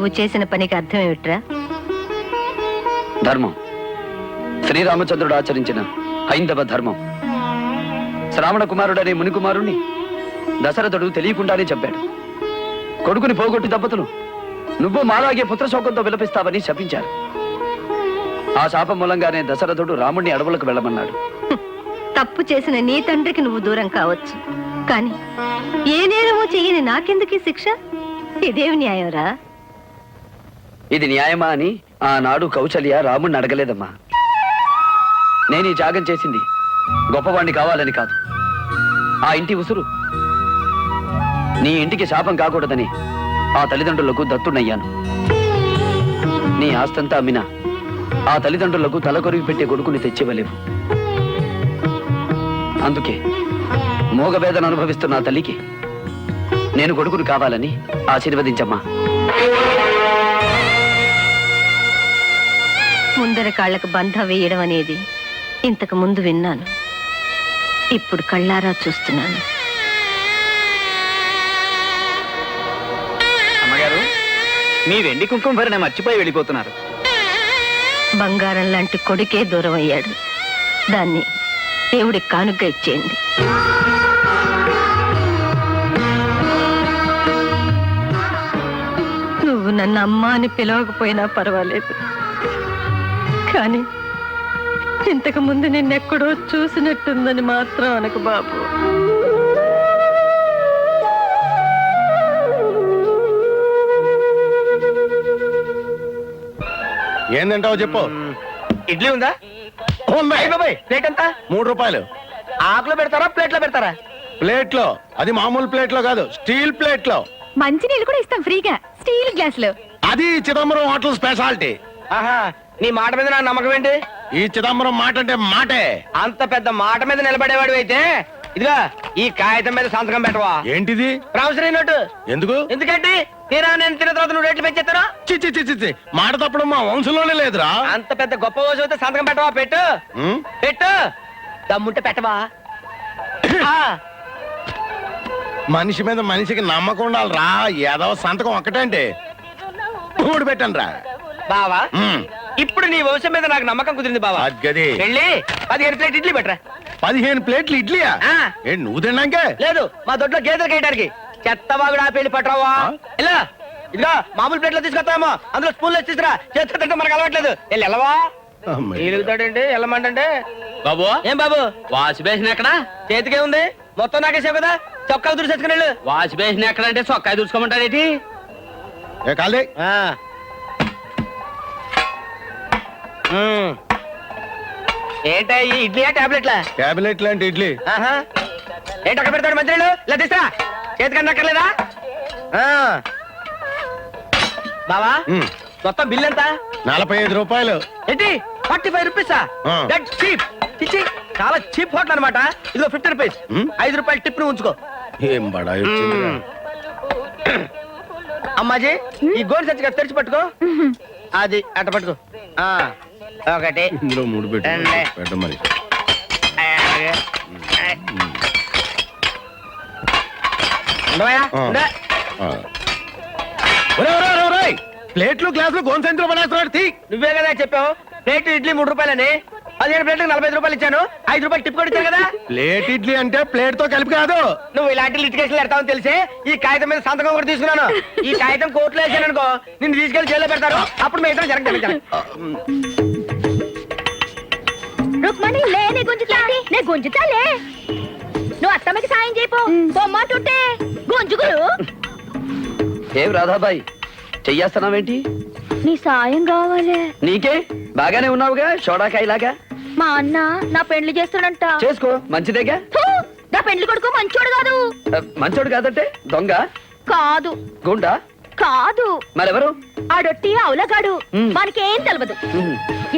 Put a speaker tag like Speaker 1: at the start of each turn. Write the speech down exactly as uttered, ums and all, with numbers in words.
Speaker 1: నువ్వు చేసిన పనికి అర్థం ఏమిట్రా?
Speaker 2: ధర్మం. శ్రీరామచంద్రుడు ఆచరించిన హైందవ ధర్మం. శ్రావణ కుమారుడనే మునికుమారుణ్ణి దశరథుడు తెలియకుండానే చెప్పాడు. కొడుకుని పోగొట్టి దంపతులు నువ్వు మాలాగే పుత్రశోకంతో విలపిస్తావని శపించారు. ఆ శాపం మూలంగానే దశరథుడు రాముణ్ణి అడవులకు వెళ్ళమన్నాడు.
Speaker 1: తప్పు చేసిన నీ తండ్రికి నువ్వు దూరం కావచ్చు, కానీ ఏ నేరమో చెయ్యని నాకెందుకీ శిక్ష? ఇదేమి న్యాయంరా?
Speaker 2: ఇది న్యాయమా అని ఆనాడు కౌసల్య రాముణ్ణి అడగలేదమ్మా. నేను ఈ త్యాగం చేసింది గొప్పవాణ్ణి కావాలని కాదు. ఆ ఇంటి ఉసురు నీ ఇంటికి శాపం కాకూడదని ఆ తల్లిదండ్రులకు దత్తునయ్యాను. నీ ఆస్తంతా అమ్మినా ఆ తల్లిదండ్రులకు తలకొరివి పెట్టే కొడుకుని తెచ్చివ్వలేవు. అందుకే మోగవేదన అనుభవిస్తున్న ఆ తల్లికి నేను కొడుకుని కావాలని ఆశీర్వదించమ్మా.
Speaker 1: ముందర కాళ్లకు బంధ వేయడం అనేది ఇంతకు ముందు విన్నాను, ఇప్పుడు కళ్ళారా చూస్తున్నాను.
Speaker 3: అమ్మగారు, మీ వెండి కుంకుమ భరణ మర్చిపోయి వెళ్ళిపోతున్నారు.
Speaker 1: బంగారం లాంటి కొడుకే దూరం అయ్యాడు, దాన్ని దేవుడికి కానుగ్గా ఇచ్చేయండి. నువ్వు నన్ను అమ్మ అని పిలవకపోయినా పర్వాలేదు, కానీ ఇంతకు ముందు నిన్నెక్కడో చూసినట్టుందని మాత్రం అనకు బాబు.
Speaker 4: ఏందంటావు చెప్పు.
Speaker 3: ఇడ్లీ ఉందా? ప్లేట్ ఎంత?
Speaker 4: మూడు రూపాయలు.
Speaker 3: ఆకులో పెడతారా ప్లేట్లో పెడతారా?
Speaker 4: ప్లేట్ లో. అది మామూలు ప్లేట్ లో కాదు, స్టీల్ ప్లేట్ లో.
Speaker 1: మంచి నీళ్ళు కూడా ఇస్తాం ఫ్రీగా, స్టీల్ గ్లాస్ లో.
Speaker 4: అది చిదంబరం హోటల్ స్పెషాలిటీ.
Speaker 3: ఆహా, నీ మాట మీద నా నమ్మకం ఏంటి?
Speaker 4: ఈ చిదంబరం మాట అంటే మాటే.
Speaker 3: అంత పెద్ద మాట మీద నిలబడేవాడు అయితే ఇదిగా ఈ కాగితం మీద సంతకం పెట్టవా?
Speaker 4: ఏంటిది?
Speaker 3: Promissory note.
Speaker 4: ఎందుకు?
Speaker 3: ఎందుకంటే తీరా నేను తిన్న తర్వాత నువ్వు రేట్లు పెంచేస్తారా?
Speaker 4: చిచ్చి చిచ్చి చి మాట తప్పడం మా వంశంలోనే లేదురా.
Speaker 3: అంత పెద్ద గొప్ప రోజు అయితే సంతకం పెట్టవా? పెట్టు
Speaker 4: ఉం?
Speaker 3: పెట్టు. దమ్ముంటే పెట్టవా? ఆ,
Speaker 4: మనిషి మీద మనిషికి నమ్మకం ఉండాలిరా. ఏదో సంతకం ఒక్కటంటే మూడు పెట్టండి రా.
Speaker 3: బావా, ఇప్పుడు నీ వంశం మీద నాకు నమ్మకం కుదిరింది బావా.
Speaker 4: గది
Speaker 3: వెళ్ళి పదిహేను ప్లేట్ ఇడ్లీ పెట్టరా.
Speaker 4: పదిహేను ప్లేట్లు ఇడ్లీయా?
Speaker 3: ఆ.
Speaker 4: ఏంటి నువ్వు తిన్నాకే?
Speaker 3: లేదు, మా దొడ్లో గేదెలు కేయడానికి. చెత్తవాగుడు ఆ పెళ్లి పట్టరావా? ఇలా ఇదిగా మామూలు ప్లేట్లో తీసుకొస్తామో అందులో స్పూన్లో తీసుకురా. చేత్తో తింటే మనకు అలవాట్లేదు. వెళ్ళి వెళ్ళవా? ఎలుగుతాడండి వెళ్ళమంటే. బాబు, ఏం బాబు వాష్ బేసిన్ ఎక్కడ? చేతికే ఉంది, మొత్తం నాకేసావు కదా. చొక్కా దుడిసేసుకుని వెళ్ళు. వాష్ బేసిన్ ఎక్కడ అంటే చొక్కా దుడుచుకోమంటారేటి?
Speaker 4: ఏ కాలే
Speaker 3: ఏంటా ఈ ఇడ్లీయా టాబ్లెట్లా?
Speaker 4: టాబ్లెట్ లాంటి ఇడ్లీ.
Speaker 3: ఆహా, ఏంటి అక్కడ పెడతాడు మంత్రులు? ఇలా తీసా చేతికన్నా అక్కర్లేదా? బావా, మొత్తం బిల్ ఎంత?
Speaker 4: నలభై ఐదు రూపాయలు.
Speaker 3: ఏంటి ఫార్టీ ఫైవ్ రూపీసా? That cheap. ఇచ్చి చాలా చీప్ హోటల్ అనమాట. ఇదిగో ఫిఫ్టీ రూపీస్. ఐదు రూపాయలు టిప్ ను ఉంచుకో.
Speaker 4: ఏం బడా వచ్చిందిరా.
Speaker 3: అమ్మాజీ, ఈ గోల్డ్ సచ్చిగా తెరిచి పట్టుకో. అది అట్ట పట్టుకో. ఆ, ఒకటి
Speaker 4: ఇందులో మూడు పెట్టు
Speaker 3: రెండే.
Speaker 4: పెట్ట మరి.
Speaker 3: ఉండవయ్యా? ఉండే.
Speaker 4: ఆ. ఒరేయ్, ఒరేయ్, ఒరేయ్, ఒరేయ్. ప్లేట్లు గ్లాసులు గోన్సెంట్లో పడేస్తున్నాడు. తీ.
Speaker 3: నువ్వే కదా చెప్పావు ప్లేట్ ఇడ్లీ మూడు రూపాయలని. పదిహేను ప్లేట్లకు నలభై ఐదు రూపాయలు ఇచ్చాను. ఐదు రూపాయలు టిప్ కూడా ఇచ్చాను కదా.
Speaker 4: ప్లేట్ ఇడ్లీ అంటే ప్లేట్ తో కలిపి కాదు.
Speaker 3: నువ్వు ఇలాంటి లిటికేషన్లు పెడతావని తెలిసి ఈ కాగితం మీద సంతకం కూడా తీసుకున్నాను. ఈ కాగితం కోర్టులో వేసాను అనుకో, నిన్ను తీసుకెళ్లి జైల్లో పెడతారు. అప్పుడు మీ ఇద్దరు జరగదు.
Speaker 5: రుక్మణి లే, నే గుంజుతా నే గుంజుతాలే. నువ్వు అత్తమ్మకి సాయం చేయపో. బొమ్మంటుంటే గుంజుగులు.
Speaker 2: ఏం రాధాబాయి చెయ్యేస్తున్నావేంటి?
Speaker 5: నీ సాయం కావాలి.
Speaker 2: నీకే బాగానే ఉన్నావుగా షోడాకాయలాగా.
Speaker 5: మా అన్న నా పెండ్లి చేస్తాడంట.
Speaker 2: చేసుకో, మంచిదేగా.
Speaker 5: ఫు, నా పెండ్లి కొడుకు మంచోడు కాదు.
Speaker 2: మంచోడు కాదంటే దొంగ
Speaker 5: కాదు,
Speaker 2: గుండా
Speaker 5: కాదు,
Speaker 2: మరెవరు?
Speaker 5: ఆడొట్టి అవులగాడు.
Speaker 2: మ్.
Speaker 5: మనకేం తెలవదు.